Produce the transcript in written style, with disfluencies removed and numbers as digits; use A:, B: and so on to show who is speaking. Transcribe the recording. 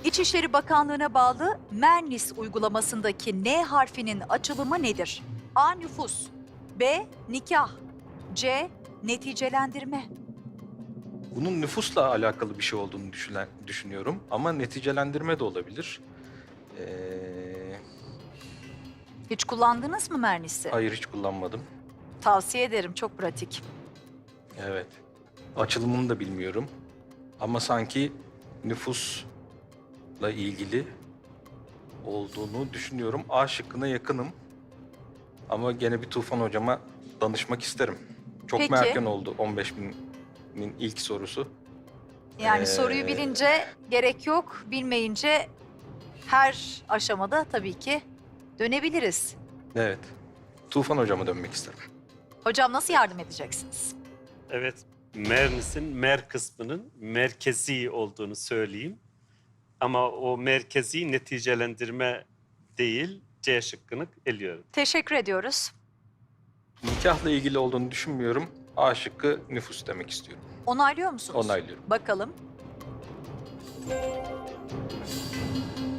A: İçişleri Bakanlığı'na bağlı Mernis uygulamasındaki N harfinin açılımı nedir? A. Nüfus, B. Nikah, C. Neticelendirme.
B: Bunun nüfusla alakalı bir şey olduğunu düşünüyorum ama neticelendirme de olabilir.
A: Hiç kullandınız mı Mernis'i?
B: Hayır, hiç kullanmadım.
A: Tavsiye ederim, çok pratik.
B: Evet. Açılımını da bilmiyorum. Ama sanki nüfusla ilgili olduğunu düşünüyorum. A şıkkına yakınım. Ama gene bir Tufan hocama danışmak isterim. Çok
A: Peki.
B: mu erken oldu 15.000'in ilk sorusu?
A: Yani soruyu bilince gerek yok, bilmeyince her aşamada tabii ki dönebiliriz.
B: Evet. Tufan hocama dönmek isterim.
A: Hocam nasıl yardım edeceksiniz?
C: Evet, Mernis'in mer kısmının merkezi olduğunu söyleyeyim. Ama o merkezi neticelendirme değil, C şıkkını eliyorum.
A: Teşekkür ediyoruz.
B: Nikahla ilgili olduğunu düşünmüyorum. A şıkkı nüfus demek istiyorum.
A: Onaylıyor musunuz?
B: Onaylıyorum.
A: Bakalım.